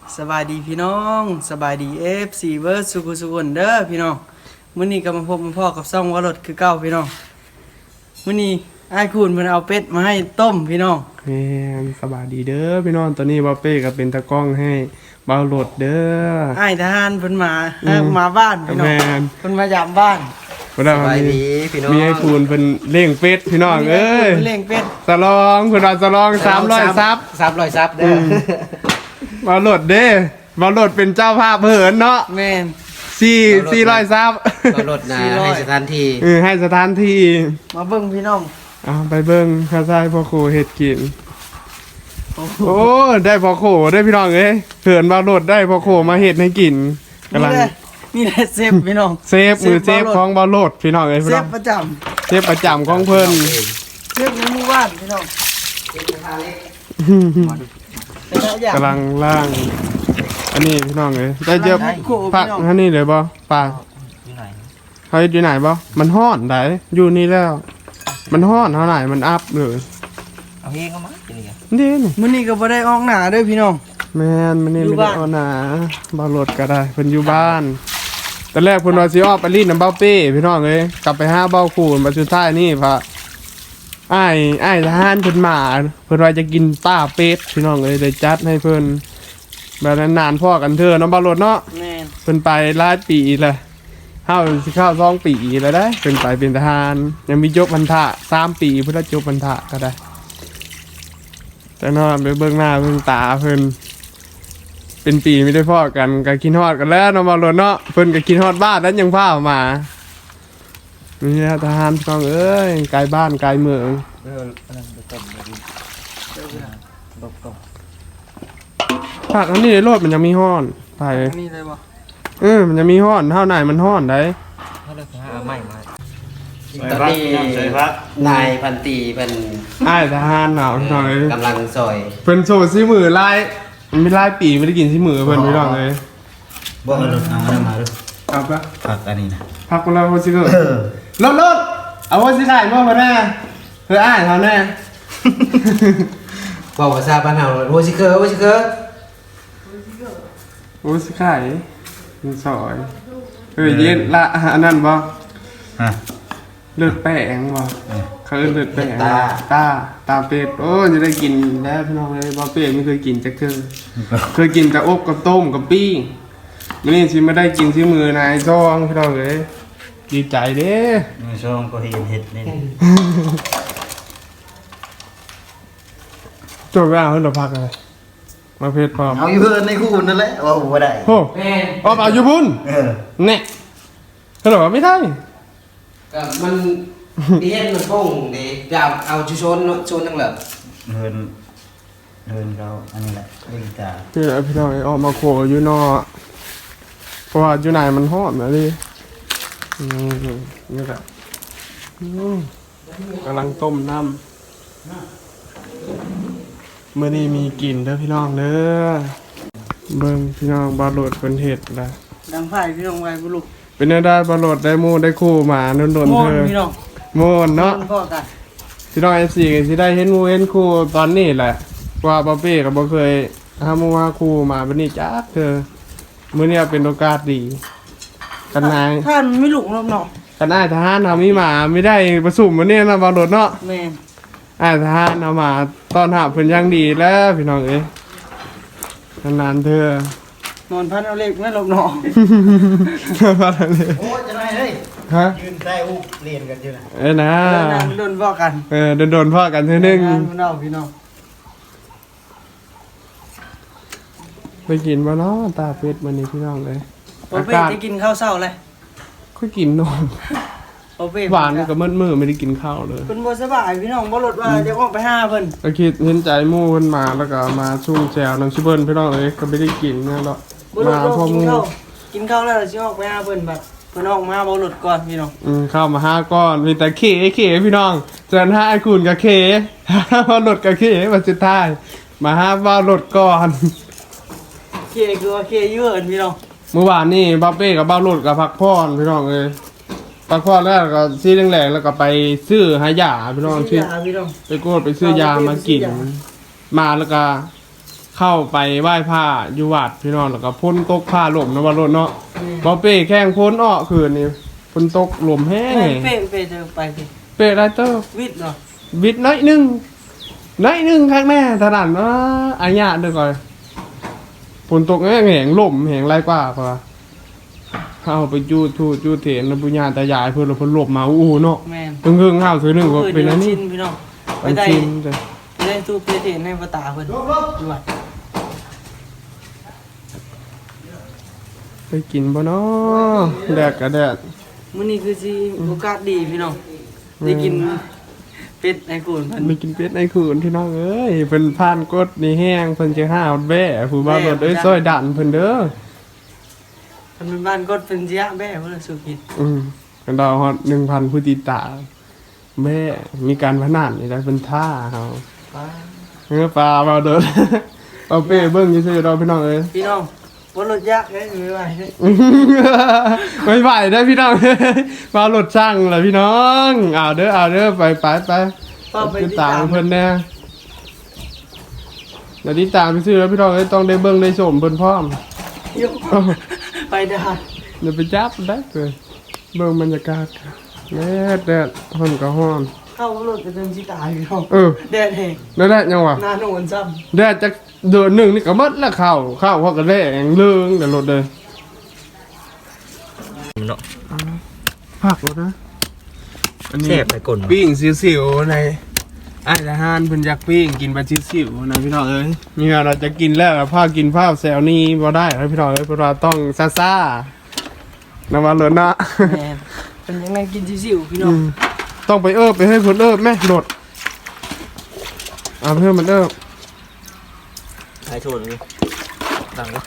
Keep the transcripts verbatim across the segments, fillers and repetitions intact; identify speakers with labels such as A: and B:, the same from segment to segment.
A: สบายดีพี่น้องสบายดี เอฟ ซี เวิร์ดสุขุสุขนเด้อพี่น้องมื้อนี้ก็มาพบมาพ่อกับซ่องวรดคือเก่าพี่น้องมื้อนี้อ้ายคุณเพิ่นเอาเป็ดมาให้ต้มพี่น้อง
B: แม่นสบายดีเด้อพี่น้องตอนนี้บ่าวเป้ก็เป็นตากล้องให้บ่าวโหลดเด้อ
A: อ้ายทหารเพิ่นมาเอ้อมาบ้านพี่น้อง
B: แม่น
A: เพิ่นมายามบ้าน
B: บ่ได้
C: สบายดีพี่น้อง
B: มีให้คุณเพิ่นเลี้ยงเป็ดพี่น้องเอ้ย
A: เพิ่นเลี้ยงเป็ด
B: สลองเพิ่นว่าสลองสามร้อยซับ
C: สามร้อยซับเด้อ
B: บ่าวโหลดเด้บ่าวโหลดเป็นเจ้าภาพเหินเนาะ
A: แม่น
B: สี่ สี่ร้อยซับ
C: ก็ลดนะให้สถานที่
B: เออให้สถานที่
A: มาเบิ่งพี่น้อง
B: เอาไปเบิ่งข้าซายพ่อโคเฮ็ดกิน
A: โอ้โห
B: โอ้ได้พ่อโคได้พี่น้องเอ้ยเหินบ่าวโหลดได้พ่อโคมาเฮ็ดให้กินกำลัง
A: นี่แหละนี่แหละเซฟพี่น้อง
B: เซฟมือเซฟของบ่าวโหลดพี่น้องเอ้ย
A: เซ
B: พี่น้อ
A: ฟ
B: ง
A: ประจำ
B: เซฟประจำของเพิ่น
A: เซฟในหมู่บ้านพี่น้องเป็นหลายอย่าง
B: กำลังล่าง อันนี้พี่น้องเลยได้เจอผักอันนี้เลยบ่ป่า
C: อยู่ไหน
B: เขาอยู่ไหนบ่มันฮ้อนได้อยู่นี่แล้ว มันฮ้อนเท่าไหร่มันอัพเลย
C: เอาเฮงเข้ามาจริง
B: นี่นี่
A: มื้อนี้ก็บ่ได้ออกหน้าเด้อพี่น้อง
B: แม่นมันนี่
A: อยู่
B: ไม่ได้
A: บ้าน
B: เอาหนาบ่รถก็ได้เพิ่นอยู่บ้านตอนแรกเพิ่นว่าสิออกไปรีดน้ำเบ้าเป้พี่น้องเอ้ยกลับไปหาเบ้าคูนมาสุดท้ายนี่พระอ้ายอ้ายทหารเพิ่นมาเพิ่นว่าจะกินต้าเป็ดพี่น้องเอ้ยได้จัดให้เพิ่นแบบนั้นนานพ่อกันเถอะเนาะบ่รถเนาะ
A: แม่น
B: เพิ่นไปหลายปีแล้วเฮาสิเข้าสองปีแล้วได้เพิ่นไปเป็นทหารยังมีจบพรรษาสามปีเพิ่นได้จบพรรษาก็ได้ แต่นอนไปเบิ่งหน้าเบิ่งตาเพิ่นเป็นปีไม่ได้พ่อกันก็กินฮอดกันแล้วเนาะมาโลดเนาะเพิ่นก็กินฮอดบ้านแล้วยังพามานี่นะทหารพี่น้องเอ้ยไกลบ้านไกลเมือง
C: เอออันนั้นไปต้มเลยตบตบ
B: ภาคอันนี้ในโลดมันยังมีฮ้อนไป
A: อันนี้เลยบ่
B: เออมันจะมีฮ้อนเท่าไหนมันฮ้อนได้
C: ถ้าเราหาใหม่มา
D: ตอนนี้นายพันตีเป็น
B: อ้ายทหารหนาวพี่น้องเอ้ย
D: กำลังซอย
B: เพิ่นโซซิมือลายมันไม่ลายปีไม่ได้กินซิมือเพิ่นพี่น้องเอ้ย
D: บ่เอารถเอามาดู
B: ครับปะ
D: ผักอันนี้นะ
B: พักเราโฮซิเกอร์รถรถเอาโฮซิได้บ่มาแน่เฮ้ยอ้ายเท่าแน่
D: บอกภาษาบ้านเฮาโวซิเคอร์โวซิเคอร์
B: โฮซิไข่มันซอยเฮ้ยเย็นละอันนั้นบ่
D: ฮะ
B: เลือดแป้งบ่เขาเอิ้นเลือดแป้ง
D: ตา
B: ตาตาเป็ดโอ้จะได้กินแล้วพี่น้องเอ้ยบ่เป็ดไม่เคยกินจักเทื่อเคยกินแต่อบกับต้มกับปิ้งมื้อนี้สิมาได้กินที่มือนายซองพี่น้องเอ้ยดีใจเด้
D: มือช่องก็เห็นเห็ดนี่
B: จบแล้วเพิ่นดอกพักเลยมาเพชรพร้อม
D: เอาอยู่เพิ่นในคู่นั่นแหละว่าบ่ได้
B: โอ้
C: แม่
B: ออกเอาอยู่บุญ
D: เออ
B: แน่เขาบอกว่าไม่ได้
C: ก็มันเรียนมันคงดีจะเอาชุชนชนทั้งเหลือ
D: เพิ่นเพิ่นเขาอันนี้แหละเล่นตา
B: พี่น้องพี่น้องออกมาโขอยู่นอกเพราะว่าอยู่ไหนมันหอมนะดิอืมนี่แหละอืมกำลังต้มน้ำเมื่อนี้มีกลิ่นเด้อพี่น้องเด้อเบิ่งพี่น้องบาโหลดเป็นเห็ดละ
A: ดังไผ่พี่น้องไว้บ่ลูก
B: เป็นได้บาโหลดได้หมูได้คู่หมาโดนๆ
A: โม่
B: เธอ
A: พี่น้อง
B: โมนเนาะ
A: โม่พ่อกัน
B: พี่น้องเอฟซีก็สิได้เห็นหมูเห็นคู่ตอนนี้แหละว่าบ๊อบบี้ก็บ่เคยหาหมูหาคู่มาบัดนี้จักเธอมื้อนี้เป็นโอกาสดีกันนาย
A: ท่านไม่ลูกน้องเนาะ
B: กันนายทหารเฮามีหมาไม่ได้ประสุมมื้อนี้นะบ่โดดเนาะ
A: แม่น
B: อ้ายทหารเอามาต้อนรับเพิ่นอย่างดีแล้วพี่น้องเอ้ยนานๆเธอน
A: อนพันเอาเล็กแม่ลูกน้อง
B: ว่าอะไร
D: โอ้จะได้เฮ้ย
B: ฮะ
D: ยืนใต้อุเรียนกันอยู่นะ
B: เอ้ยนะ
A: เออนางโดนพ่อกัน
B: เออโดนๆพ่อกันเทื่อนึง
A: งานพี่น้องพี่น้อง
B: ไปกินบ่เนาะตาเป็ดมื้อนี้พี่น้องเอ้ย
A: โอเป้จะกินข้าวเช้าเลย
B: ค่อยกินนม
A: โอเป้
B: หวานกับมืดมือไม่ได้กินข้าวเลย
A: เพิ่นบ่สบายพี่น้องบ่รถว่าจะออกไปหาเพิ่น
B: ก็คิดเห็นใจหมู่เพิ่นมาแล้วก็มาชุ่มแจวน้ำชิเบิ้ลพี่น้องเอ้ยก็ไม่ได้กินเนี่ยหรอก
A: บ่ร
B: มา
A: ถ
B: พ่อ
A: กิ
B: ห
A: น
B: มู่
A: ข้าวกินข้าวแล้วสิออกไปหาเพิ่นแบบเพิ่นออกมาบ่รถก่อนพี่น้อง
B: อืมเข้ามาห้าก้อนมีแต่เคเคพี่น้องเจอห้าไอ้คุณกับเคพอหลดกับเคมาสุดท้ายมาห้าว่าหลดก่อน
A: เคคือว่าเคอยู่เอิ้นพี่น้อง
B: เมื่อวานนี่บ้าเป้กับบ้าหลดกับพักพรพี่น้องเอ้ยพักพรแล้วก็ซีแรงๆแล้วก็ไปซื้อหายาพี่น้อง
A: ชื่
B: ชื่
A: อ
B: อ
A: พี่น้อง
B: ไปโกดไปซื้อยามากินมาแล้วก็เข้าไปไหว้ผ้าอยู่วัดพี่น้องแล้วก็พ้นตกผ้าหล่มนะว่ารถเนาะบ่เป้แข้งพ้นอ้อคืนนี่ฝนตกลมแห้ง
A: แม่เป้เป้จะไปสิ
B: เป้ไรเตอร์
A: วิทย์เหรอ
B: วิดน้อยหนึงน้อยหนึงข้างแน่ถนัดว่าอาญะเด้อก่อนฝนตกแห้งแหงลมแหงไรกว่าพอเข้าไปจูดทูดจูดเถนนะปุญญาตายายเพิ่นแล้วเพิ่นหลบมาอู้เนาะ
A: แม่น
B: ตึงเฮิงข้าวซื้อหนึงก็เป็นอันนี้
A: ชินพี่น้องไป
B: อัน
A: ได้
B: ชินจ้ะ
A: ไปได้ตู้เพชรเห็นในประตาเพิ่นอยู่วัด
B: ไปกินบ่เนาะแดดก็แดด
A: มื้อนี้คือสิโอกาสดีพี่น้องได้กินเป็ดในกูนเพิ่น
B: ไปกินเป็ดในคืนพี่น้องเอ้ยเพิ่นผ่านกดนี่แห้งเพิ่นสิห้าวแบ่ผู้บ่าวรถเอ้ยซอยดันเพิ่นเด้อ
A: เพิ่นเป็นบ้านกดเป็นเสียแม่เพิ่นสุกิน
B: อืมกันดาวฮอดหนึ่งพันผู้ติดตามแม่มีการพนันนี่ได้เป็นท่าเฮา
A: ป้า
B: เออปลาบ่าวเด้อ เอาเป้เบิ่งซื่อๆดอกพี่น้องเอ้ย
A: พี่น้องบ่รถยากเด้ไม่ไหวเด้
B: ไม่ไหวได้อพี่น้อง มารถช่างเลยพี่น้องเอาเด้อเอาเด้อไปไปไป
A: ป้าไป
B: ติด
A: ติด
B: ตา
A: ตาม ม
B: เพิ่นแน่เดี๋ยวติดตามไปซื้อแล้วพี่น้องเอ้ยต้องได้เบิ่งได้ชมเพิ่นพร้อม
A: ยกไปได้
B: เดี๋ยวไปจับได้เลยเบิ่งบรรยากาศแดดแดดร้อนก็ร้อน
A: เข้ารถจะเดินสิตายพี่น้อง
B: เออ
A: แดดแห้ง
B: แล้วแดดยังวะ
A: หน้าโนนซ้ำ
B: แดดจากเดือนหนึ่งนี่ก็หมดแล้วข้าวข้าวเขาก็แดงเรื่องเดี๋ยวรถเลย
D: เนาะ
B: ผักรถนะอันนี้
D: แซ่บไปก่อน
B: ปิ้งสิวๆในอาหารเพิ่นอยากปิ้งกินปลาสิวๆนะพี่น้องเอ้ยนี่เราจะกินแล้วผ้ากินผ้าแซวนี่บ่ได้นะพี่น้องเอ้ยเพราะว่าต้องซ่าๆนะว่าเลยนะ
A: แม่นเป็นยังไงกินซิวๆพี่น้อ
B: อื
A: ง
B: มต้องไปเอิบไปให้คนเอิบแม่โดดเอาเพื่อนมันเอิบ
D: ใช้โทษเลยดังก็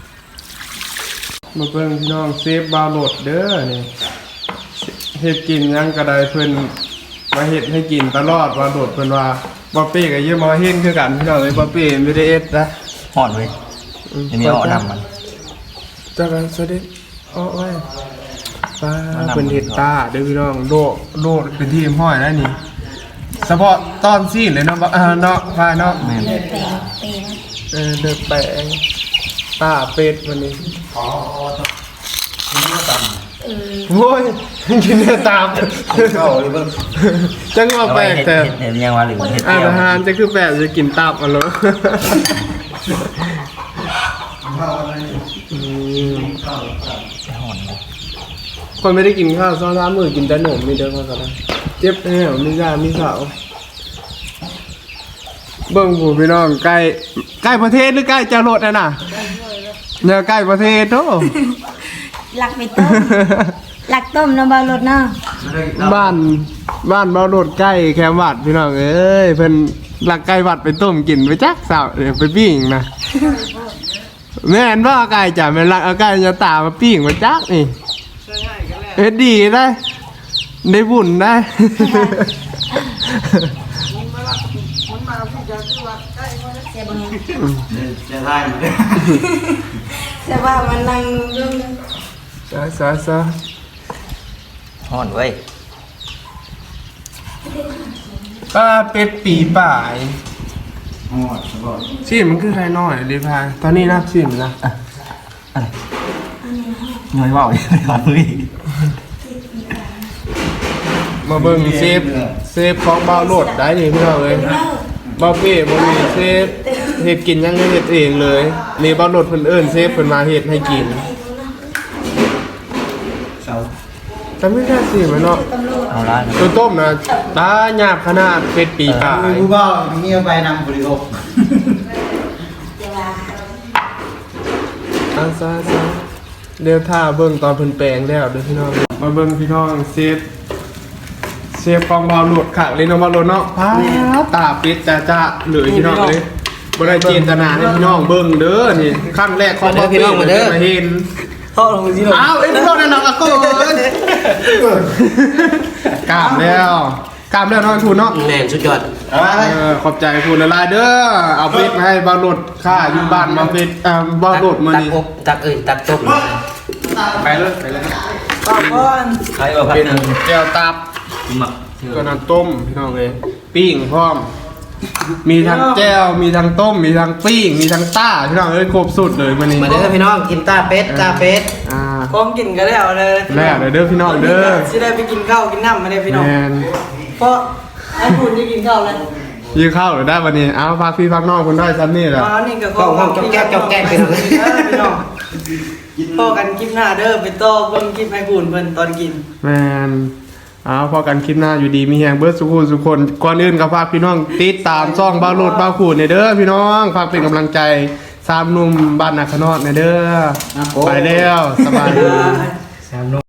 B: มาเพิ่งพี่น้องเซฟบาวโหลดเด้อนี่เฮ็ดกินหยังกระไดเพิ่นมาเฮ็ดให้กินตลอดว่าโดดเพิ่นว่าบ่เป้ก็เยอะมาเฮ็ดคือกันพี่น้องเอ้ยบ่เป้ไม่ได้เอ็ดนะ
D: ห่อนเลยอันนี้เอานำมัน
B: จักกันซะเด้อ้อไว้ป้า
D: เอานำ
B: เพิ่นเฮ็ดตาเด้อพี่น้องโดดโดดเป็นทีมห้อยแล้วนี่เฉพาะตอนซีนเลยเนาะบ่อ่าเนาะพายเนาะ
D: แม่น
B: เออเดือดแปงตาเป็ดวันนี้โอ้ยกินเนื้อตาม
D: เข้าเลยเบิ่ง
B: จังว่าแปลกแต่
D: เห็นยังว่าหรือเห็ด
B: อา
D: เดียว
B: หารจะคือแปลกจะกินตับอ่ะเหรออืม
D: ห่อนเลย
B: คนไม่ได้กินข้าวซ้อนร้านมือกินแต่หนมมีเด้อพ่อกันเจ็บแน่มียามีสาวเบิ่งผู้พี่น้องใกล้ใกล้ประเทศหรือใกล้จะโลดน่ะน่ะเนี่ยใกล้ประเทศโต
E: หลักไปต้ม หลักต้มน้ำบารถเนาะ
B: บ้านบ้านเบาโดดใกล้แคมวัดพี่น้องเอ้ยเพิ่นหลักไก่วัดไปต้มกินไปจักสาวเดี๋ยวไปปิ้งนะแม่นว่าไก่จ้ะแม่นหลักเอาไก่จะตามาปิ้งมาจักนี่เฮ็ดดีได้ได้บุญได้
E: เสียบัง
D: จะได้ไหม
E: แต่ว่ามันนั่งดู
B: ซะซะซะ
D: ห่อนเว้ย
B: ป้าเป็ดปีป่าย
D: ห่อนสบาย
B: ชื่อมันคือใครน้อยดิพายตอนนี้นับชื่อมันนะ
D: อะไรน้อยว่าวเลยครับเฮ้ย
B: มาเบิ่งเซฟเซฟของเบาโหลดได้นี่พี่น้องเอ้ยบ่เป้บ่มีเซฟเฮ็ดกินยังเฮ็ดเองเลยนี่เบาโหลดเพิ่นเอิ้นเซฟเพิ่นมาเฮ็ดให้กิน
D: เสา
B: จำไม่ได้สิมันเนาะ
D: เอาละ
B: ตัวต้มนะตาหยาบขนาดเป็ดปีกาย
D: กูก็มีเอาไปนำบริโภค
B: อาซาซาเดี๋ยวถ้าเบิ่งตอนเพิ่นแปลงแล้วเด้อพี่น้องมาเบิ่งพี่น้องเซฟเซฟฟองบอลหลุดขักเลยเนาะบอลหลุดเนาะพาตาปิดจ้าจ้าเหลือพี่น้องเลยบ่ได้เจตนาให้พี่น้องเบิ่งเด้อนี่ขั้นแรกของบ่พี่น้องมาเด้อเห็น
A: เข้าลงสิลง
B: อ้าวเอ้ยพี่น้องนั่นน่ะก็เกินกล้ามแล้วกล้ามแล้วเนาะทูนเนาะ
C: แน่นสุดยอด
B: เออขอบใจคุณละลายเด้อเอาเป็ดมาให้บาโหลดค่าอยู่บ้านมาเป็ดอ่าบาโหลดมา
C: ตัก
B: นี่
C: อบตักเอ้ยตักต้ม
B: ไปเลยไปเลย
A: ต่อก่อน
C: ใครว่าพัก
B: เป็น
C: หนึ่ง
B: แก้วตับ
C: หมัก
B: ก็น้ำต้มพี่น้องเลยปิ้งพร้อมมีทั้งแก้วมีทั้งต้มมีทั้งปิ้งมีทั้งต้าพี่น้องเอ้ยครบสุดเลยวันนี้
C: มาเด้อพี่น้องกินตาเป็ดตาเป็ด
B: อ่า
A: ของกินก็แล้วเลย
B: แล้วเด้อพี่น้องเด้อ
A: สิได้ไปกินข้าวกินน้ำมาได้พี่น้อง
B: แมน
A: เพราะไอ้คุณจะกินข้าวแล้ว
B: ยื้อข้าวหรือได้วันนี้เอาพักพี่พักน้องคนได้ซ้ำนี่แหละ
A: มานี่ก็
C: ก็ห้องจอกแก๊กจอกแก๊กพี่น้อง
A: เออพี่น้องพ่อกันคลิปหน้าเด้อไปต่อเบิ่งคลิปไอ้คุณเพิ่นตอนกิน
B: แมนเอาพอกันคลิปหน้าอยู่ดีมีแหงเบิร์ดสุขุสุขคนก่อนอื่นก็ฝากพี่น้องติดตามซ่องบ้าวโลดบ้าวขูดในเด้อพี่น้องฝากเป็นกำลังใจสามหนุ่มบ้านนาคานอดในเด้อไปแล้วสบายดี
D: สามน